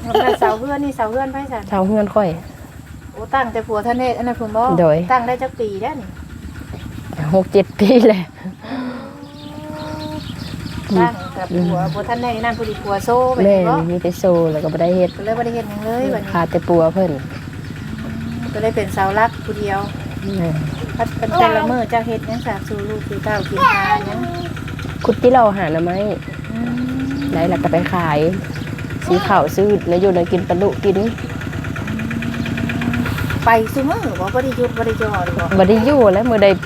เสาเฮือนนี่เสาเฮือนไผซั่นเสาเฮือนค่อยโอ้ตั้งแต่ผัวท่านเฮ็ดอันนั้นพุ่นบ่โดยตั้งได้จักปีแล้วนี่ 6-7 ปีแหละตั้งกับผัวท่านเฮ็ดนั่นผู้ดีผัวโซ่ไปแม่บ่มีแต่โซแล้วก็บ่ได้เฮ็ดก็เลยบ่ได้เฮ็ดหยังเลยบัดนี้ขาดแต่ปัวเพิ่นก็เลยเป็นเสาหลักผู้เดียวแม่พัดเป็นแต่ละมื้อเจ้าเฮ็ดหยังสาบสู่ลูกสู่เต้ากินหาหยังคุดที่เราหาหน่อไม้อืมได้แล้วก็ไปขายซื้อข้าวซื้อแล้วอยู่แล้วกินปลาดุกินไปซุมื้อบ่ได้หยุดบ่ได้จ่อหรือบ่บ่ได้อยู่แล้วมื้อใด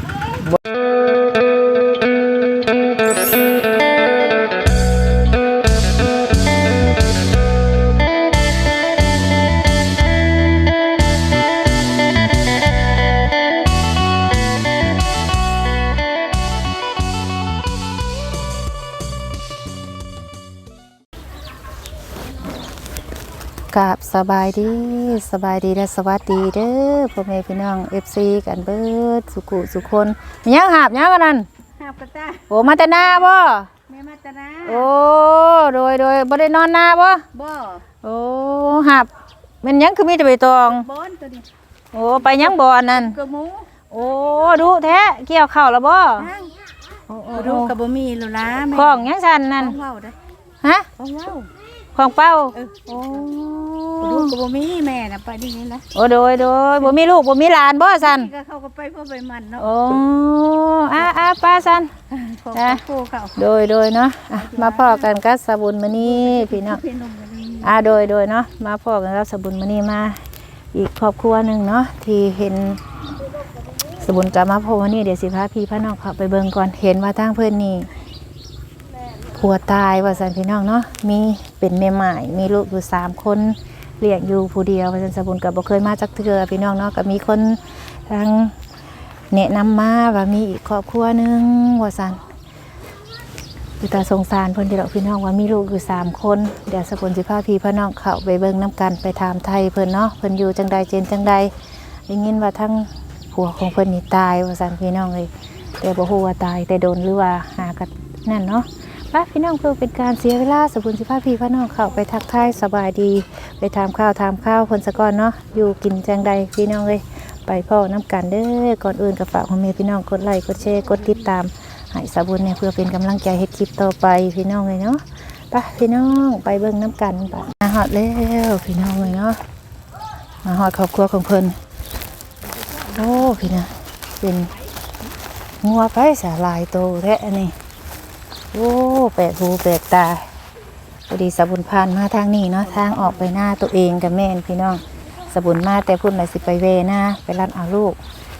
กับสบายดีและสวัสดีเด้อพ่อแม่พี่น้อง FC กันเบิดสุขุสุคนมีหยังหาบหยังกันนั่นหาบกระตาโอ้มาแต่นาบ่แม่มาตะนาโอ้โดยบ่ได้นอนนาบ่บ่โอ้หาบแม่นหยังคือมีแต่ใบตองบอนตัวนี้โอ้ไปหยังบ่อันนั้นกระหมูโอ้ดูแท้เกี่ยวข้าวแล้วบ่นั่งโอ้ดูกระบ่มีแล้วนะแม่ของหยังซั่นนั่นของเว้าเด้อฮะของเว้าของเป้าโอ้ดูกระบ่มีแม่น่ะไปนี่นี่นะโอ้โดยบ่มีลูกบ่มีหลานบ่ซั่นนี่ก็เข้าก็ไปเพื่อไปมันเนาะโอ้ป้าซั่นของอ่ะโคเขาโดยเนาะอ่ะมาพ่อกันกับสบุญมื้อนี้พี่น้องพี่นมกันนี่โดยเนาะมาพ่อกันกับสบุญมื้อนี้มาอีกครอบครัวหนึงเนาะที่เห็นสบุญกับมาพ่อวันนี้เดี๋ยวสิพาพี่พาน้องเข้าไปเบิ่งก่อนเห็นว่าทางเพิ่นนี่ผัวตายว่าซั่นพี่น้องเนาะมีเป็นแม่หมายมีลูกอยู่3คนเลี้ยงอยู่ผู้เดียวว่าซั่นสบุญก็บ่เคยมาจักเทื่อพี่น้องเนาะก็มีคนทางแนะนำมาว่ามีอีกครอบครัวหนึงว่าซั่น คือตาสงสารเพิ่นที่เราพี่น้องว่ามีลูกอยู่3คนเดี๋ยวสกุลสิพาพี่พ่อน้องเข้าไปเบิ่งน้ำกันไปถามไทยเพิ่นเนาะเพิ่นอยู่จังใดเจนจังใดได้ยินว่าทั้งผัวของเพิ่นนี่ตายว่าซั่นพี่น้องเลยแต่บ่ฮู้ว่าตายแต่โดนหรือว่าหากันนั่นเนาะไปพี่น้องเพื่อเป็นการเสียเวลาสกุลสิพาพี่พ่อน้องเข้าไปทักทายสบายดีไปถามข้าวเพิ่นซะก่อนเนาะอยู่กินจังใดพี่น้องเลยไปพ่อน้ำกันเด้อก่อนอื่นก็ฝากพ่อแม่พี่น้องกดไลค์กดแชร์กดติดตาม ให้สาบุญเนี่ยเพื่อเป็นกำลังใจให้คลิปต่อไปพี่น้องเลยเนาะไปพี่น้องไปเบิ่งน้ำกันไปมาฮอดแล้วพี่น้องเลยเนาะมาฮอดครอบครัวของเพิ่นโอ้พี่นะเป็นงัวไปสาลายโตแท้อันนี้โอ้แปลกหูแปลกตาพอดีสาบุญผ่านมาทางนี้เนาะทางออกไปหน้าตัวเองกับแม่นพี่น้องสาบุญมาแต่พุ่นไหนสิไปเวหน้าไปรัดเอาลูก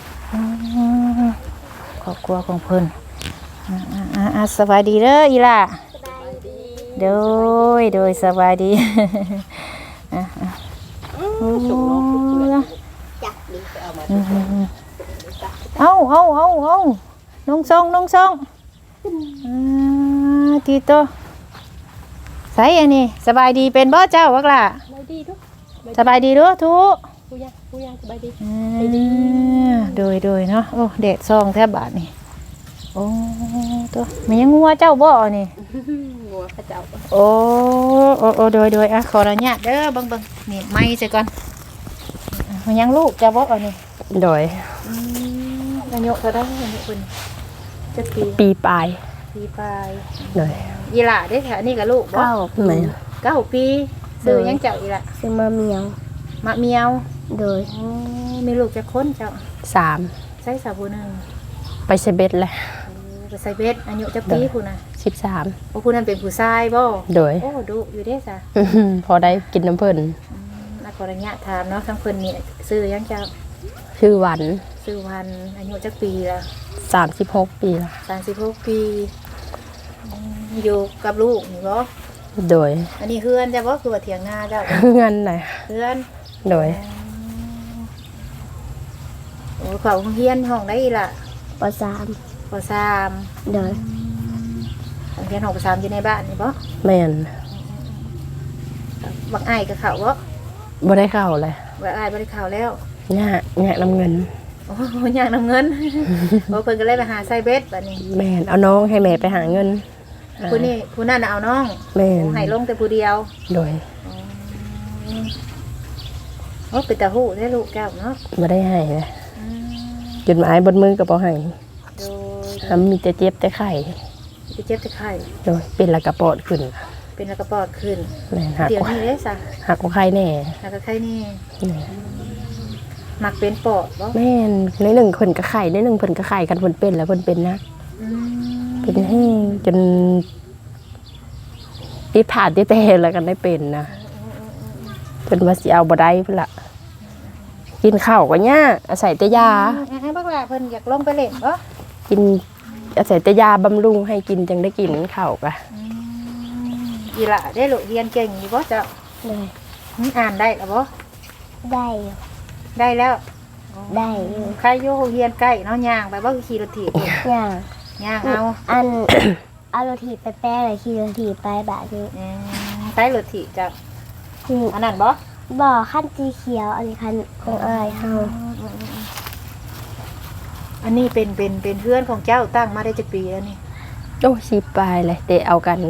ครอบครัวของเพิ่น สบายดีเด้ออีล่ะโดยสบายดีเอาน้องทรงทีโตใส่อันนี้สบายดีเป็นบ่เจ้าวักล่ะสบายดีด้วยทุกผู้ยังสบายดีโดยเนาะโอ้แดดซองแทบบาทนี่โอ้ตัวมันยังงัวเจ้าบ่นี่งัวพระเจ้าโอ้โดยอ่ะขออนุญาตเด้อเบิ่งนี่ไม้ซะก่อนมันยังลูกเจ้าบ่นี่โดยอายุเท่าใดอายุเพิ่นจักปีปีปลายปีปลายโดยอีหล่าเด้อค่ะอันนี้ก็ลูกบ่ไหน 9ปีซื้อยังเจ้าอีหล่ะซื้อมาเมียวมะเมียวโดยโอ้มีลูกจักคนเจ้า 3 ใช้สาบูนึงไปเซเบ็ดเลยไปใส่เบ็ดอายุจักปีพุ่นน่ะ 13 โอ้พุ่นนั้นเป็นผู้ชายบ่โดยโอ้ดุอยู่เด้ซะพอได้กินน้ำเพิ่นนักขออนุญาตถามเนาะทั้งเพิ่นนี่ซื้อยังเจ้าชื่อหวันซื้อวันอายุจักปีละ 36 ปีละ 36ปีอยู่กับลูกนี่บ่โดยอันนี้เฮือนจ้ะบ่คือว่าเถียงนาเจ้าเงินหน่อยเฮือนโดยโอ้เขาโรงเรียนห้องได้อีล่ะปสามป .3 โดยโรงเรียนห้องป .3 อยู่ในบ้านนี่บ่แม่นบักอ้ายกับเขาบ่บ่ได้เข้าเลยบักอ้ายบ่ได้เข้าแล้วยากน้ำเงินโอ้ยากนำเงิน โอ้เพิ่นก็เลยไปหาใส่เบ็ดบัดนี้แม่นเอาน้องให้แม่ไปหาเงินผู้นี้ผู้นั้นน่ะเอาน้องแม่นโอ้ให้ลงแต่ผู้เดียวโดยโอ้เป็นตาหูได้ลูกแก้วเนาะบ่ได้ให้นะอืมจดหมายบนมือก็บ่ให้โดยทำมีแต่เจ็บแต่ไข้ไปเจ็บจะไข้โดยเป็นแล้วก็ปอดขึ้นเป็นแล้วก็ปอดขึ้นแม่นหักเดี๋ยวกว่านี้เด้ซะหักกว่าไข้แน่แล้วก็ไข้นี่นี่มักเป็นปอดบ่แม่นในหนึ่งเพิ่นก็ไข้ในหนึ่งเพิ่นก็ไข้กันเพิ่นเป็นแล้วเพิ่นเป็นนะอืมเป็นแห้งจนติดผ่าติดแต่แล้วกันได้เป็นนะเพิ่นว่าสิเอาบ่ได้พุ่นล่ะกินข้าวก็ยากอาศัยแต่ยาให้บักหลาเพิ่นอยากลงไปเล่นบ่กินอาศัยแต่ยาบำรุงให้กินจังได้กินข้าวก็อีหล่ะได้ลูกเรียนเก่งอยู่บ่เจ้าเลยอ่านได้แล้วบ่ได้อยู่ได้แล้วได้อยู่ใครอยู่เรียนใกล้เนาะย่างไปบ่คือขี่รถถีบอย่างย่างเอาอัน เอารถถีบไปแป้เลยขี่รถถีบไปแบบนี้ใช้รถถีบจ้ะนี่อันนั้นบ่บ่อขั้นสีเขียวอันนี้คันของอายเฮาอันนี้เป็นเพื่อนของเจ้าตั้งมาได้จักปีแล้วนี่โอ้สิปลายเลยแต่เอากัน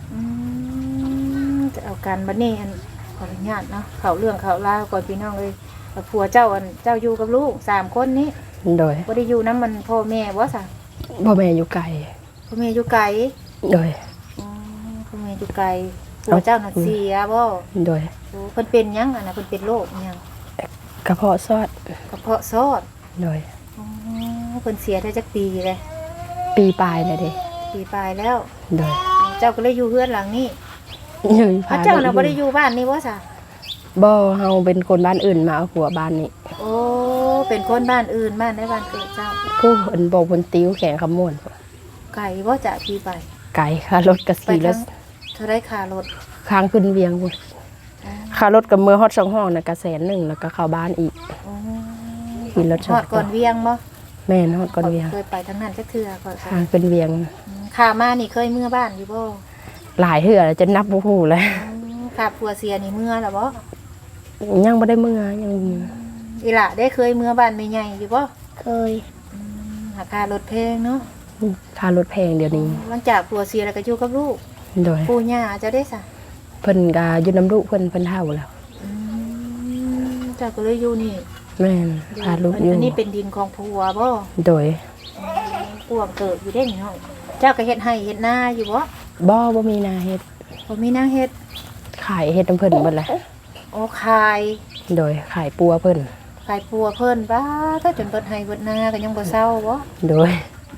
จะเอากันบัดนี้อันขออนุญาตเนาะเขาเรื่องเขาราวก่อนพี่น้องเลยผัวเจ้าเจ้าอยู่กับลูก3คนนี้โดยบ่ได้อยู่นํมันพ่อแม่บ่ซะพ่อแม่อยู่ไกลพ่อแม่อยู่ไกลโดยพ่อแม่อยู่ไกลผัวเจ้าน่ะเสียบ่โดยโอ้เพิ่นเป็นหยังอันน่ะเพิ่นเป็นโรคหยังกระเพาะซอดกระเพาะซอดโดยเพิ่นเสียได้จักปีเลยปีปลายเลยเด้ปีปลายแล้วโดยเจ้าก็เลยอยู่เฮือนหลังนี้ยังพระเจ้าน่ะบ่ได้อยู่บ้านนี่บ่ซะบ่เฮาเป็นคนบ้านอื่นมาเอาผัวบ้านนี้โอ้เป็นคนบ้านอื่นบ้านในบ้านเกิดเจ้าผู้เพิ่นบอกเพิ่นติ้วแข่งขมวนไก่บ่จะพี่ไปไกลค่ารถก็ไป 4 ทั้แล้วงเท่าไรค่ารถค้างขึ้นเวียงพุ่นค่ารถกับมือฮอด2ห้องน่ะก็100,000แล้วก็เข้าบ้านอีกโอ้ขี่รถฮอดก่อนเวียงบ่แม่นฮอดก่อนเวียงเคยไปทั้งนั้นจักเทื่อก่อนค้างเป็นเวียงข้ามานี่เคยเมื่อบ้านอยู่บ่หลายเทื่อแล้วจะนับบ่ฮู้แล้วข้าผัวเสียนี่เมื่อแล้วบ่ยังบ่ได้มื้อยังอีหล่ะได้เคยเมื่อบ้านแม่ใหญ่อยู่บ่เคยหาค่ารถแพงเนาะค่ารถแพงเดี๋ยวนี้หลังจากผัวเสียแล้วก็อยู่กับลูกโดยปู่ย่าเจะได้ซะเพิ่นก็อยู่น้ำลูกเพิ่นเฒ่าแล้วเจ้าก็เลยอยู่นี่แม่นพาลูกอยู่อันนี้เป็นดินของผัวบ่โดยปวงเกิดอยู่ได้นี่เนาะเจ้าก็เฮ็ดให้เฮ็ดนาอยู่บ่บ่มีนาเฮ็ดบ่มีนางเฮ็ดขายเฮ็ดน้ำเพิ่นเบิดแหละโอ้ขายโดยขายปัวเพิ่นขายปัวเพิ่นบ้าถ้าจนเบิดให้เบิดนาก็ยังบ่เซาบ่โดย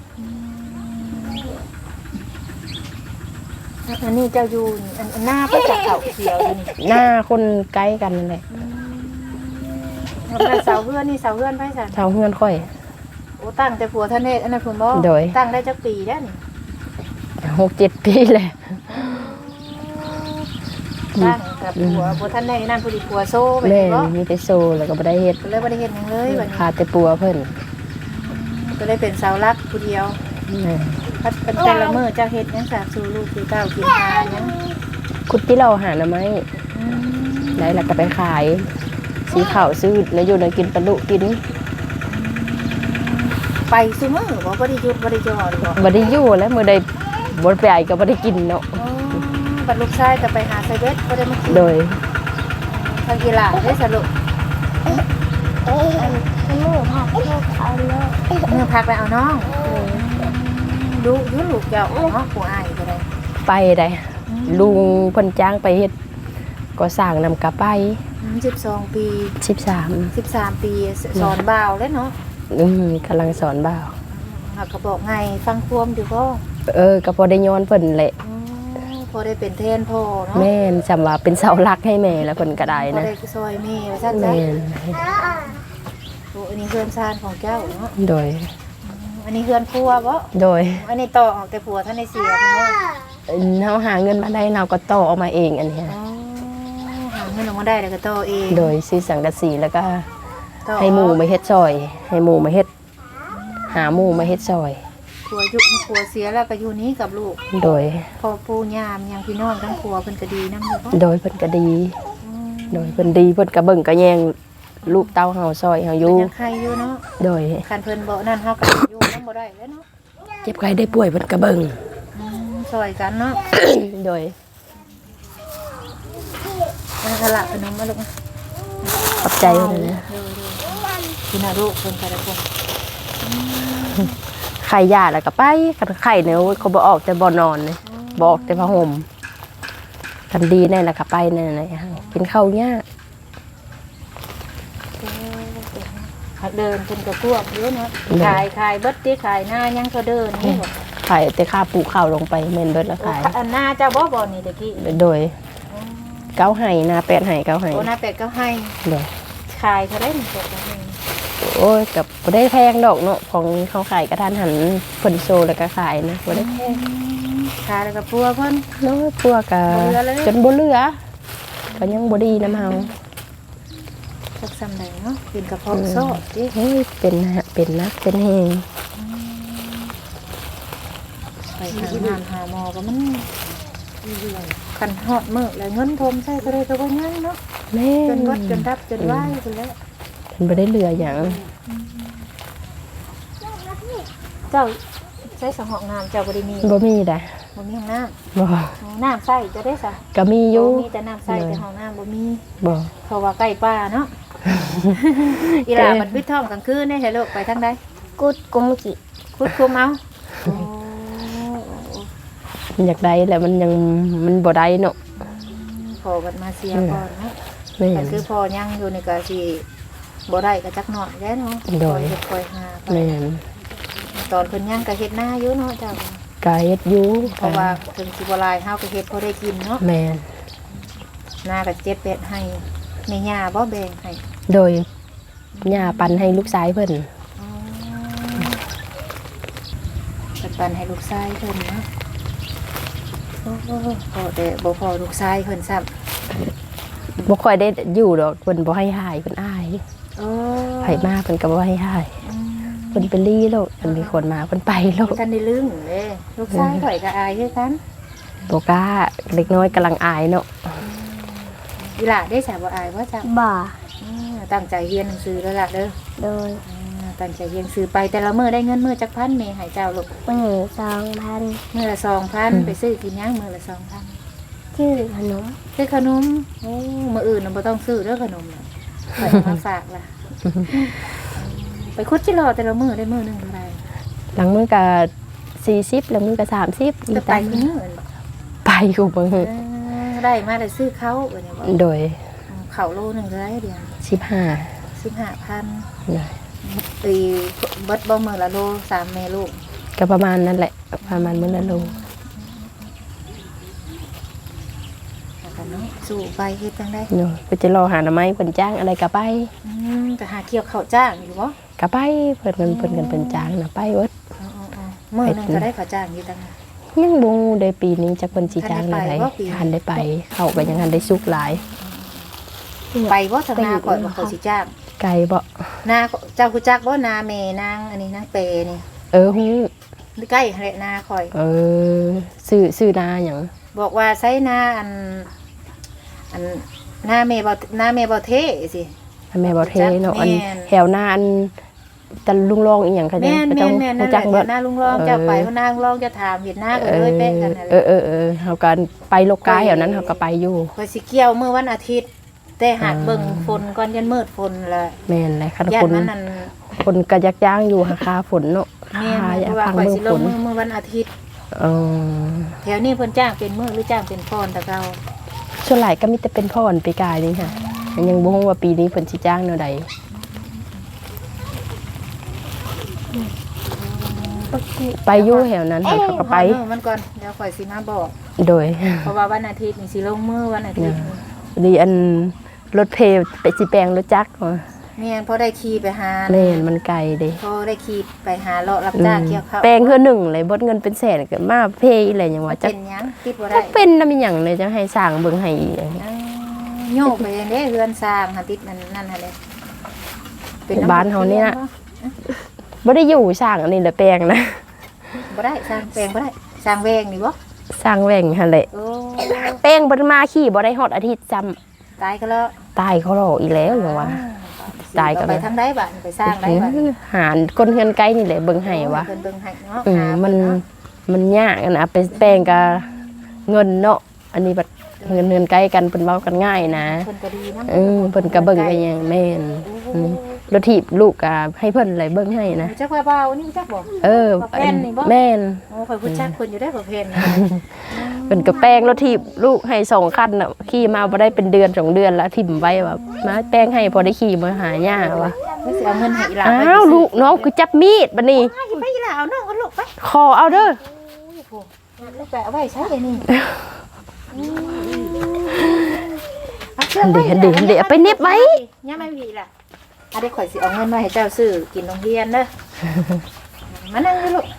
อันนี้เจ้าอยู่นี่อันหน้าไปจากเขาเขียวอยู่นี่หน้าคนใกล้กันนั่นแหละแล้วเสาเฮือนนี่เสาเฮือนไผซั่นชาวเฮือนค่อยโอ้ตั้งแต่ผัวท่านเฮ็ดอันนั้นเพิ่นบ่โดยตั้งได้จักปีแล้วนี่ 6-7 ปีแหละตั้งกับผัวท่านได้นั่นผู้ดีผัวโซ่ไปแม่นี่บ่มีแต่โซแล้วก็บ่ได้เฮ็ดก็เลยบ่ได้เฮ็ดหยังเลยบัดนี้ขาดแต่ปัวเพิ่นก็เลยเป็นเสาหลักผู้เดียวแม่พัดเป็นแต่ละมื้อเจ้าเฮ็ดหยังสาสู่ลูกสู่เต้ากินหาหยังคุดที่เราหาหน่อไม้อืมได้แล้วก็ไปขายสีขาวซื้อแล้วอยู่ในกินปลาดุกินไปซุมื้อบ่ได้หยุดบ่ได้จอดบ่บ่ได้อยู่แล้วมื้อใดบ่ไปก็บ่ได้กินเนาะอ๋อบัดลูกชายก็ไปหาไซเบสบ่ได้มากินโดยทางกีฬาได้สรุปอันมือผักลูกเอาเลยเมื่อพักไปเอาน้องดูอยุลูกเจ้าเนาะผู้อายก็ได้ไปได้ลุงเพิ่นจ้างไปเฮ็ดก็สร้างนำกะไป 12 ปี 13 13 ปีสอนบ่าวแล้วเนาะกำลังสอนบ่าวหากก็บอกไงฟังความอยู่บ่ก็พอได้ย้อนเพิ่นแหละพอได้เป็นแทนพ่อเนาะแม่นจำว่าเป็นเสาหลักให้แม่แล้วเพิ่นก็ได้พอนะได้ซอยแม่ว่าซั่นจ้ะแม่นโอ้อันนี้เฮือนซานของเจ้าเนาะโดยอันนี้เฮือนครัวบ่โดยอันนี้ต่อออกแต่ผัวท่านได้เสียเพิ่นว่าเฮาหาเงินมาได้เราก็ต่อออกมาเองอันเนี้ยอ๋อหาเงินออกมาได้แล้วก็ต่อเองโดยซื้อสังกะสีแล้วก็ต่อให้หมู่มาเฮ็ดซอย ให้หมู่มาเฮ็ดหาหมู่มาเฮ็ดซอยผัวยุคผัวเสียแล้วก็อยู่นี้กับลูกโดยพอปู่ย่ามยังพี่น้องทั้งผัวเพิ่นก็ดีนำอยู่บ่โดยเพิ่นก็ดี โดยเพิ่นดีเพิ่นก็เบิ่งก็แยงลูกเต้าเฮาซอยเฮาอเพิ่ยู่นยังใครอยู่เนาะโดยคันเพิ่นบ่นั่นเฮาก็อยู่นำบ่ได้แล้วเนาะเจ็บไข้ได้ป่วยเพิ่นก็เบิ่งซอยกันเนาะโดยเอาละขนมมาลูกขอบใจเลยนะคุณอาลูกคนแต่ละคนไข่ยาแล้วก็ไปกันไข่เนี่ยเขาบ่ออกแต่บ่นอนเลยบ่ออกแต่ผ้าห่มกันดีแน่ละก็ไปแน่เลยกินข้าวยากเดินจนกระพวกเยอะเนาะขายเบิดที่ขายหน้ายังก็เดินนี่บอกไข่แต่ข้าปลูกข้าวลงไปเมนเบิดแล้วขายอันหน้าเจ้าบ่นี่ตะกี้โดยเก้าไห่นาแปดไห่เก้าไห่โอ้หน้าเป็ดก็ให้โดยขายเขาได้หนึ่งเป็ดก็ให้โอ้ยกับบ่ได้แพงดอกเนาะของเขาขายกระทานหันผลโซแล้วก็ขายนะบ่ได้แพงขายแล้วก็พัวเพิ่นเนาะพวกกะบ่เหลือเลยจนบ่เหลือก็ยังบ่ดีน้ำเฮาสักซ้ำใดเนาะเป็นกระเพาะซอดดิเฮ้ยเป็นนักเป็นแหงไปหางานหาหมอก็มันคันฮอดมื้อแล้วเงินทมใส่ก็ได้ก็บ่ยังเนาะแม่จนวัดจนดับจนไหวพุ่นแล้วมันบ่ได้เหลือหยังเจ้าใช้สองห้องน้ำเจ้าบ่ได้มีบ่มีดะบ่มีห้องน้บ่ำน้ำใส่จะได้ซะก็มีอยู่มีแต่น้ำใส่แต่ห้องน้ำบ่มีบ่เพราะว่าใกล้ป่าเนาะ อีหลามันปิดท้องกลางคืนได้ให้ลูกไปทางใดกุดกุมกิคุดคุมเอามันอยากได้แล้วมันยังมันบ่ได้เนาะพอกันมาเสียก่อนเนาะแม่แต่นคือพอยังอยู่ในก็สิบ่ได้ก็จักหน่อยแล้วเนาะโดคอย ยเฮ็ดคอยหาไปแม่นตอนเพิ่นยังก็เฮ็ดหน้าอยู่เนาะเจ้าก็เฮ็ดอยู่เพราะว่าถึงสิบ่หลายเฮาก็เฮ็ดพอได้กินเนาะแม่นหน้าก็7 8ให้แม่ย่าบ่แบ่งให้โดยย่าปันให้ลูกชายเพิ่นอ๋อปันให้ลูกชายเพิ่นเนาะโอ้พอแต่บ่พอลูกชายเพิ่นซ้ำบ่ค่อยได้อยู่ดอกเพิ่นบ่ให้หายเพิ่นอายโอ้ไผมาเพิ่นก็บ่ให้หายเพิ่นไปลี่โลดเพิ่นมีคนมาเพิ่นไปโลดกันได้ลึงเด้ลูกชายข่อยก็อายคือกันบ่กล้าเล็กน้อยกำลังอายเนาะอีหล่าได้สาบ่อายว่าจังบ่าตั้งใจเรียนหนังสือแล้วล่ะเด้อโดยตั้งใจเรียนหนังสือไปแต่ละมื้อได้เงินมื้อจักพันแม่ให้เจ้าลูกมือ2,000 มื้อละ 2,000 ไปซื้อกินหยังมื้อละ 2,000 ชื่อขนมซื้อขนมโอ้มื้ออื่นน่ะบ่ต้องซื้อเด้อขนมน่ะข่อยเอามาฝากล่ะไปคุดจิรอแต่ละมื้อได้มื้อหนึงเท่าไหร่หลังมือก็40หลังมือก็30 จะไปคือมื้ออื่นบ่ไปกูเบิ่งได้มาได้ซื้อเขาบัดนี้บ่โดยข้าวโลนึงเท่าไหร่เดือน 15 15,000 นะตีเบิดบ่มื้อละโล3แม่ลูกก็ประมาณนั้นแหละประมาณมื้อละโลแล้วก็เนาะสู้ไปเฮ็ดจังได๋เนาะก็จะรอหาหน่อไม้เพิ่นจ้างอะไรก็ไปก็หาเกี่ยวข้าวจ้างอยู่บ่ก็ไปเพิ่นกันเพิ่นจ้างน่ะไปเบิดมื้อนึงก็ได้ข้าวจ้างอยู่ตังยังบ่ฮู้ได้ปีนี้จักเพิ่นสิจ้างได้ทันได้ไปบ่ปีนี้ทันได้ไปเขาก็ยังทันได้สุกหลายไปบ่ทางนาก่อนว่าเขาสิจ้างไกลบ่นาเจ้ารู้จักบ่นาแม่นางอันนี้นางเปนี่ฮู้ใกล้แหละนาข่อยซื้อนาหยังบอกว่าใช้นาอันนาแม่บ่เทสิแม่บ่เทเนาะอันแม่นแถวหน้าอันจะลุงรองอีหยังเขาแม่นก็ต้องนั่นแหจัละกเบิดนาลุงรองเจ้าไปเพราะนาลุงรองจะถามเห็นหน้าก็เลยเป๊ะกันนั่นแหละเฮาก็ไปโลกาแถวนั้นเฮาก็ไปอยู่ข่อยสิเกี่ยวมื้อวันอาทิตย์ แต่หากเบิ่งฝนก่อนยันมืดฝนละแม่นเลยคันย่าคน นมันนั่นคนก็ยักย่างอยู่หาคาฝนเนาะแม่นหาเพราะว่าพังข่อยเมืองสิลฝงนมื้อวันอาทิตย์เออแถวนี้เพิ่นจ้างเป็นมื้อหรือจ้างเป็นพรแต่เก่าส่วนหลายก็มีแต่เป็นพ่อนปีกายนี่ค่ะมันยังบ่ฮู้ว่าปีนี้เพิ่นสิจ้างแนวใดไปอยู่แถวนั้นค่ะเขาก็ไปฮอดมื้อมันก่อนเดี๋ยวข่อยสิมาบอกโดยเพราะว่าวันอาทิตย์นี่สิลงมื้อวันอาทิตย์ดีอันรถเพลไปสิแปลงรถจักรมาแม่นพอได้ขี่ไปหาแม่นมันไกลเด้พอได้ขี่ไปหาเลาะรับจ้างเกี่ยวข้าวแปลงคือหนึ่งเลยเบดเงินเป็นแสนก็มาเพอีอะไรหยังว่าจักเป็นหยังติดบ่จัได้กเป็นนำหยังเลยจังให้สร้างเบิ่งให้อีกโยกไปเด้เฮือนสร้างหาติดนั่นหั่นเด้บ้านเฮาเนี่ยบ่ได้อยู่สร้างอันนี้แหละแปลงนะบ่ได้สร้างแปลงบ่ได้สร้างแวงนี่บ่สร้างแหว่งหั่นแหละโอ้แปลงบ่ได้มาขี่บ่ได้ฮอดอาทิตย์ซ้ำตายก็แล้วตายเขาหรอกอีแล้วหยังว่า ตายก็ไปทางใดบ้านไปสร้างได้บ้านหาคนเฮือนไกลนี่แหละเบิ่งให้วะเพิ่นเบิ่งให้เนาะมันยากอะนะไปแปลงกับเงินเนาะอันนี้บัดเงินใกล้กันเพิ่นเว้ากันง่ายนะเพิ่นก็ดีนำเพิ่นก็เบิ่งกันอย่างแม่นรถถีบลูกก็ให้เพิ่นไหลเบิ่งให้นะจักว่าเบานี่จักบ่ แม่นนี่บ่แม่นโอ้ข่อยพูดจักเพิ่นอยู่ได้บ่เพิ่นเพิ่นก็แป้งรถถีบลูกให้2คันน่ะขี่มาบ่ได้เป็นเดือน2เดือนแล้วถิ่มไว้ว่ามาแป้งให้พอได้ขี่มาหาย่าว่ะแล้วสิเอาเงินให้อีหลาอ้าวลูกน้องคือจับมีดบัดนี้ไปอีหลาเอาน้องเอาลูกไปขอเอาเด้อลูกไปเอาไว้ใช้เลยนี่เดี๋ยวไปเน็บไว้ยังไม่มีล่ะได้ข่อยสิเอาเงินมาให้เจ้าซื้อกินโรงเรียนเด้อมานั่งเลยลูก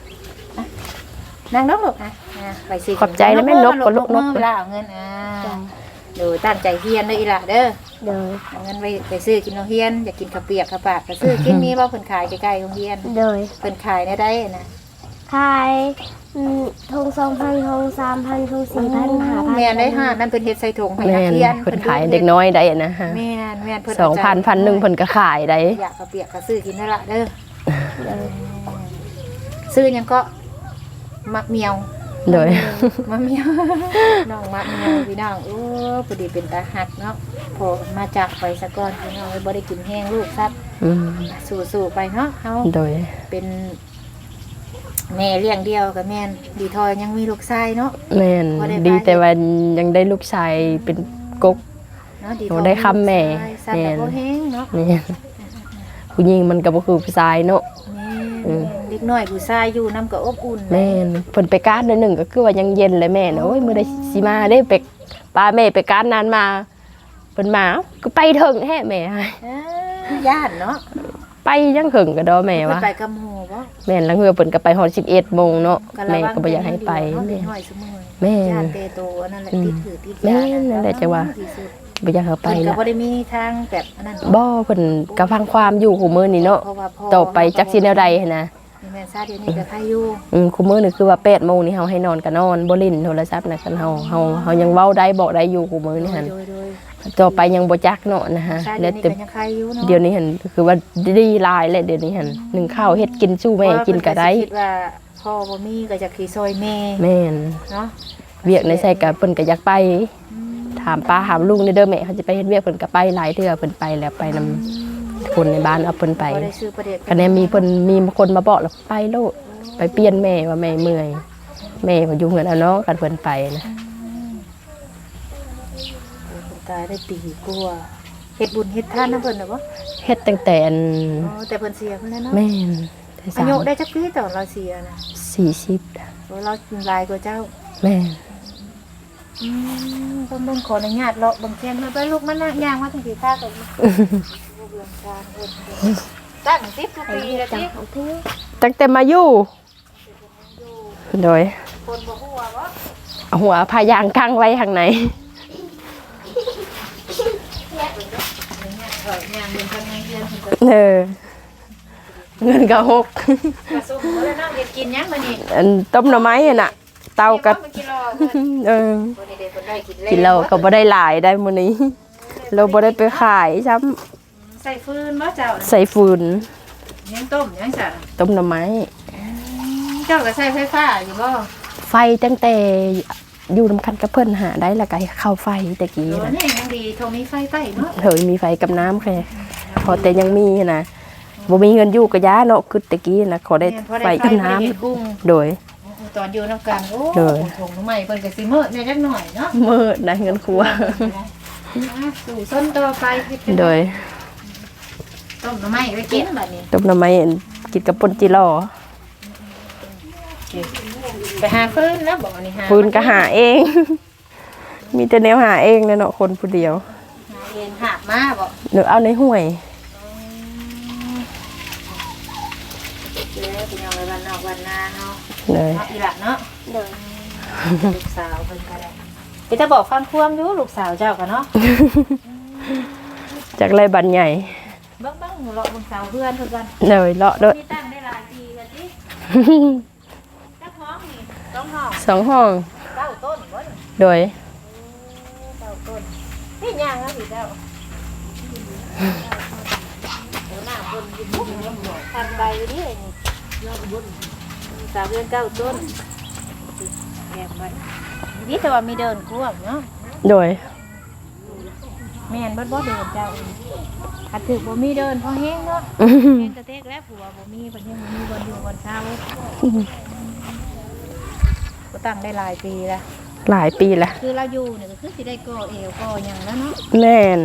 นั่งน้องลูกไปสิขอบใจนะแม่นกกับลูกนกเวลาเอาเงินดูตั้งใจเฮียนเด้ออีหล่ะเด้อโดยเอาเงินไปซื้อกินโรงเรียนอยากกินข้าวเปียกข้าวปากก็ซื้อกินมีบ่เพิ่นขายใกล้ๆโรงเรียนโดยเพิ่นขายได้นะขายทง2,000ทง3,000ทง4,000 5,000 แม่นได้5นั่นเพิ่นเฮ็ดใส่ถุงให้แม่นักนเรียนเพิ่นขายเด็กน้อยได้นะฮะแม่นเพิ่น 2,000 1,000เพิ่นก็ขายได้อยากข้าวเปียกก็ซื้อกินได้ละเด้อซื้อหยังก็มักเมียวโดยมักเมียวน้องมักเมียวพี่น้องโอ้พอดีเป็นตาหักเนาะพอมาจากไปซะก่อนพี่น้องบ่ได้กินแห้งลูกซับอืมสู้ๆไปเนาะเฮาโดยเป็นแม่เลี้ยงเดียวกับแม่นดีทอยยังมีลูกชายเนาะแม่นบ่ได้ไปดีแต่ว่ายังได้ลูกชายเป็นกกเนาะดีโอ้ได้คำแม่ซับแต่บ่แห้งเนาะนี่ผู้หญิงมันก็บ่คือผู้ชายเนาะแม่เด็กน้อยผู้ชายอยู่นำก็อบอุ่นแม่นเพิ่นไปการเดือนหนึ่งก็คือว่ายังเย็นเลยแม่เนาะโอ้ยมื้อใดสิมาได้ไปป้าแม่ไปการนานมาเพิ่นมาก็ไปถึงแท้แม่ย่านเนาะไปยังถึงก็ดอแม่เพิ่วะนไปกับหมู่บ่แม่นแล้วเฮือเพิ่นก็ไปฮอด11 โมงเนาะระแม่วังก็บ่อยากให้ไปเนาะแม่เด็กน้อยซุมื้อแม่ย่านเตโตอันนั่นแหละติดถือติดแม่ยานั่นแหละจังว่าที่สุดบ่อยากให้ไปเพิ่นก็ละบ่ได้มีทางแบบอันนั้นบ่เพิ่นก็ฟังความอยู่คู่มื้อนี่เนาะเพราะว่าพ่อต่อไปจักสิแนวใดหันนะนี่แม่ซาเดี๋ยวนี้ก็ใครอยู่คู่มื้อนี่คือว่า8 โมงนี่เฮาให้นอนก็นอนบ่เล่นโทรศัพท์นะกันเฮายังเว้าได้บอกได้อยู่คู่มื้อนี่หั่นโดยต่อไปยังบ่จักเนาะนะฮะซาแล้เดี๋ยว วนี้แต่ก็ยังใครอยู่เนาะเดี๋ยวนี้หั่นคือว่าดีหลายแหละเดี๋ยวนี้หั่นนึ่งข้าวเฮ็ดกินสู้แม่กินก็ได้คิดว่าพ่อบ่มีก็จะขี่ซอยแม่แม่นเนาะเวียกในใส่ก็เพิ่นก็อยากไปถามป้าถามลุงเด้อแม่เขาจะไปเฮ็ดเวียกเพิ่นก็ไปหลายเทื่อเพิ่นไปแล้วไปนำคนในบ้านเอาเพิ่นไปบ่ได้ซื้อประเด็ดคะแนนมีเพิ่นมีคนมาบอกแล้วไปโลดไปเปลี่ยนแม่ว่าแม่เมื่อยแม่ก็อยู่เฮือนเอาเนาะกันเพิ่นไปนะคนตายได้ปีกว่าเฮ็ดบุญเฮ็ดทานนำเพิ่นน่ะบ่เฮ็ดตั้งแต่อันอ๋อแต่เพิ่นเสียเพิ่นแล้วเนาะแม่นแต่อายุได้จักปีตอนเราเสียนะ 40 โอ้เราหลายกว่าเจ้าแม่นเบิ่งขออนุญาตเลาะเบิ่งแค่มาไปลูกมานั่งย่างมาถึงสิค่าก่อนเบิ่งทางเพิ่นตั้ง10กว่าปีแล้วติของพี่ตั้งแต่มาอยู่โดยคนบ่ฮู้ว่าบ่เอาหัวพายางกั้งไว้ข้างในย่างเบิ่งทางในเฮือนเพิ่นก็เงินก็หกกระซุ่มบ่ได้น้องเฮ็ดกินหยังมื้อนี้อันต้มหน่อไม้อะน่ะ เตากับบ่กินหรอกเพิ่นเออบ่ได้เพิ่นได้กินกินเราก็บ่ได้หลายได้มื้อนี้ เราบ่ได้ไปขายซ้ำใส่ฟืนบ่เจ้าน่ะใส่ฟืนยังต้มยังจ้ะต้มหน่อไม้เจ้าก็ใช้ไฟฟ้าอยู่บ่ไฟตั้งแต่อยู่นำกันกับเพิ่นหาได้แล้วก็เข้าไฟตะกี้โอ้นะนี่ยังดีโทรมีไฟใต้เนาะเฮ้ยมีไฟกับน้ำแค่พอแต่ยังมีนะบ่มีเงินอยู่ก็ย้าเนาะคือตะกี้นะขอได้ไฟกับน้ำเฮ็ดกุ้งโดยตอนอยู่นำกันโอ้โดยถุงใหม่เพิ่นก็สิมื้อแน่จักหน่อยเนาะมืดได้เงินครัวสู่ส้นต่อไปเฮ็ดเป็นโดยต้มหน่อไม้ไว้กินบัดนี้ต้มหน่อไม้กินกับป่นจิหล่อไปหาฟืนแล้วบอกนี่หาฟืนก็หาเอง มีแต่แนวหาเองเลยเนาะคนผู้เดียวหาเองหามาบ่หรือเอาในห้วยเด้อเป็นยังไงวันนอกวันนาเนาะเลยเนาะอีหลักเนาะโดยลูกสาวเพิ่นก็ได้ไปจะบอกฟังความอยู่ลูกสาวเจ้ากันเนาะจากไรบันใหญ่เบิ่งเลาะเบิ่งสาวเพื่อนเพิ่นกันเลยเลาะด้วยนี่ตั้งได้หลายปีกันติจักห้องนี่ต้องห้อง 2 ห้อง 9ต้นบ่นี่โดย 9ต้นนี่ย่างแล้วสิเจ้าเดี๋ยวหน้าเพิ่นกินบุ้งทันใบอยู่ดินี่สาวเพื่อน9ต้นแก้มไว้นี่แต่ว่ามีเดินกวางเนาะโดยแม่นบ่เดินเจ้าถ้าถึกบ่มีเดินพอแห้งเนาะแห้งกระเทกแล้วผัวบ่มีบ่ยังบ่มีบ่อยู่บ่เช้าก็ตั้งได้หลายปีแล้วหลายปีละคือเราอยู่เนี่ยก็คือสิได้ก่อเอวก่อหยังแล้วเนาะแม่น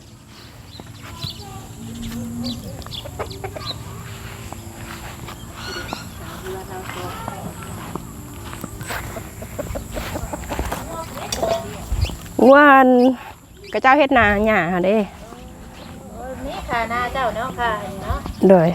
ว่านกระเจ้าเฮ็ดนาหญ้าหาเด้นี่ค่ะหน้าเจ้าเนาะค่ะอันนี้เนาะโดย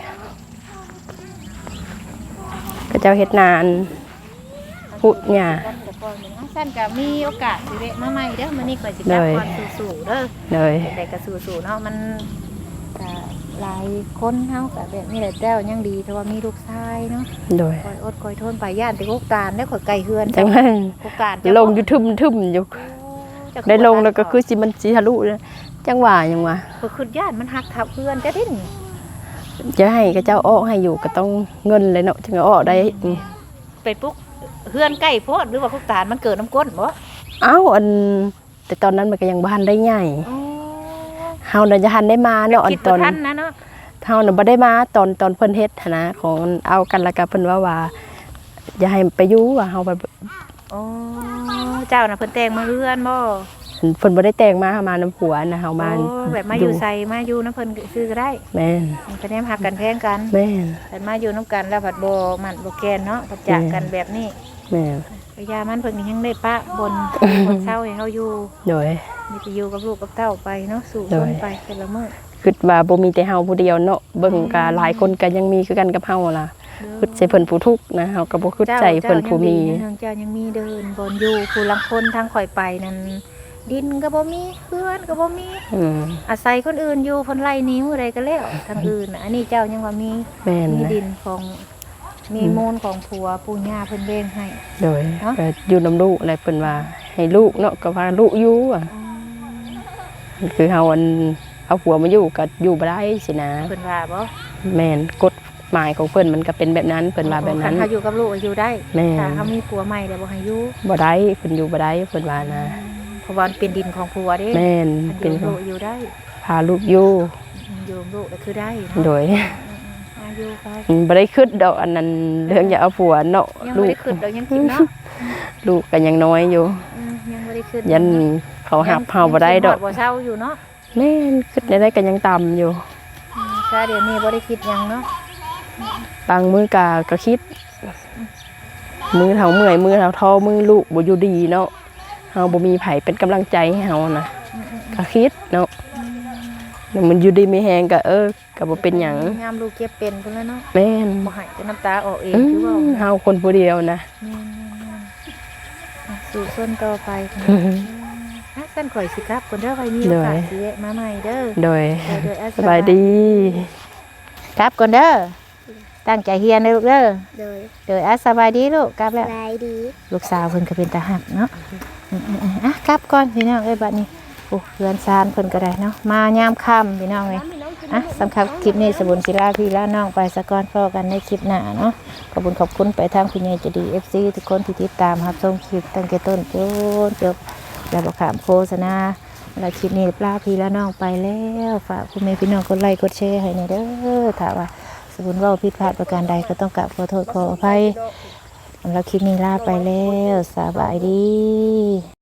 กระเจ้าเฮ็ดนาอันพุดหญ้าแต่ก่อนนี่สั้นก็มีโอกาสสิเวะมาใหม่เด้อมื้อนี้ข่อยสิกลับก่อนสู่ๆเด้อโดยแต่ก็สู่ๆเนาะมันก็หลายคนเฮาก็แบบนี้แหละเจ้ายังดีแต่ว่ามีลูกชายเนาะโดยคอยอดคอยทนไปย่านแต่โคการได้ข่อยไกลเฮือนจังนั้นโคการลงอยู่ทึมอยู่ได้ลงแล้วก็คือสิมันสิทะลุเลยจังหวะยังวะก็คือย่านมันหักทับเฮือนจะดิ้นจะให้กระเจ้าออกให้อยู่ก็ต้องเงินเลยเนาะถึงจะออกได้ไปปุ๊กเฮือนใกล้โพดหรือว่าโคการมันเกิดน้ำก้นบ่เอ้าอันแต่ตอนนั้นมันก็ยังบ้านได้ใหญ่เฮาน่ะจะทันได้มาเนาะอัคินดตอว่าน ทันนะเนาะเฮาน่ะบ่ได้มาตอนเพิ่นเฮ็ดหั้นนะของเอากันแล้วก็เพิ่นว่าอย่าให้ไปอยู่ว่าเฮาไปโอ้เจ้าน่ะเพิ่นแต่งมาเฮือนบ่เพิ่นบ่ได้แต่งมาเฮามาน้ำผัวนะเฮามาโอ้แบบมาอยู่ใส่มาอยู่น้ำเพิ่นซื้อก็ได้แม่นมันก็แนมหักกันแพงกันแม่นแต่มาอยู่น้ำกันแล้วผัดบ่มันบ่แกนเนาะผัดจากกันแบบนี้แม่นพยามันเพิ่นก็ยังได้ปะบนบนเช้าให้เฮาอยู่โดยมีแต่อยู่กับลูกกับเต้าไปเนาะสู่คนไปแต่ละมื้อคิดว่าบ่มีแต่เฮาผู้เดียวเนาะเบิ่งก็หลายคนก็ยังมีคือกันกับเฮาล่ะคิดใส่เพิ่นผู้ทุกข์นะเฮาก็บ่คิดใจเพิ่นผู้มีเจ้ายังมีเดินบนอยู่ผู้ลังคนทางข่อยไปนั่นดินก็บ่มีเพื่อนก็บ่มีอืมอาศัยคนอื่นอยู่เพิ่นไล่นิ้วอะไรก็แล้วทางอื่นน่ะอันนี้เจ้ายังว่ามีแม่นมีนะดินของมีมูลของผัวปู่ย่าเพิ่นเบ่งให้โดยเนาะก็อยู่นํลูกอะไรเพิ่นว่าให้ลูกเนาะก็ว่าลูกอยู่อ่ะคือเฮาอันเอาผัวมาอยู่ก็อยู่บ่ได้สินะเพิ่นว่าบ่แม่นกฎหมายของเพิ่นมันก็เป็นแบบนั้นเพิ่นว่าแบบนั้นคัเฮาอยู่กับลูกก็อยู่ได้แม่ถ้าเฮามีผัวใหม่แล้วบ่ให้อยู่บ่ได้เพิ่นอยู่บ่ได้เพิ่นว่านะเพราะว่ามันเป็นดินของผัวเด้แม่นเป็เป็น นลูกอยู่ได้พาลูกอยู่อยู่กับลูกก็คือได้โดยอายุไปบ่ได้คิดดอกอันนั้นเรื่องอย่าเอาผัวเนาะยังลูบ่กได้ขึ้นดอกยังกินเนาะลูกก็ยังน้อยอยู่ยังบ่ได้ขึ้นยันเขาหับเฮาบ่ได้ดอกบ่เช้าอยู่เนาะแม่นคิดได้ก็ยังต่ำอยู่ถ้าเดี๋ยวนี้บ่ได้คิดหยังเนาะบางมื้อก็คิด มือเฮาเมื่อยมือเฮาท้อมือลูกบ่อยู่ดีเนาะเฮาบ่มีไผเป็นกำลังใจให้เฮานะก็คิดเนาะแล้วมันอยู่ดีมีแฮงก็ก็บ่เป็นหยังยามลูกเจ็บเป็นพุ่นแล้วเนาะแม่นบ่ให้แต่น้ำตาออกเองอืคือว่ามเฮาคนผู้เดียวนะแม่นสู่ส่วนต่อไปค่ะสั้นข่อยสิครับคนเด้อไว้มีโอกาสสิแวะมาใหม่เด้อโดยโดยสบายดีครับก่อนเด้อตั้งใจเฮียนเด้อลูกเด้อโดยโดยสบายดีลูกกลับแล้วลายดีลูกสาวเพิ่นก็เป็นตาหักเนาะกลับก่อนพี่น้องเอ้ยบัดนี้โอ้เรือนซานเพิ่นก็ได้เนาะมายามค่ำพี่น้องเอ้ยสำคัญคลิปนี้สบุญศิลาพี่และน้องไปสะก่อนพอกันในคลิปหน้าเนาะขอบคุณไปทางคุณยายใจดี FC ทุกคนที่ติดตามรับชมคลิปตั้งแต่ต้นจนจบแล้วบ่ขามโฆษณาแล้วคลิปนี้ลาพี่และน้องไปแล้วฝากคุณแม่พี่น้องกดไลค์กดแชร์ให้หน่อยเด้อถ้าว่าสบุญเว้าผิดพลาดประการใดก็ต้องกราบขอโทษขออภัยแล้วคลิปนี้ลาไปแล้วสบายดี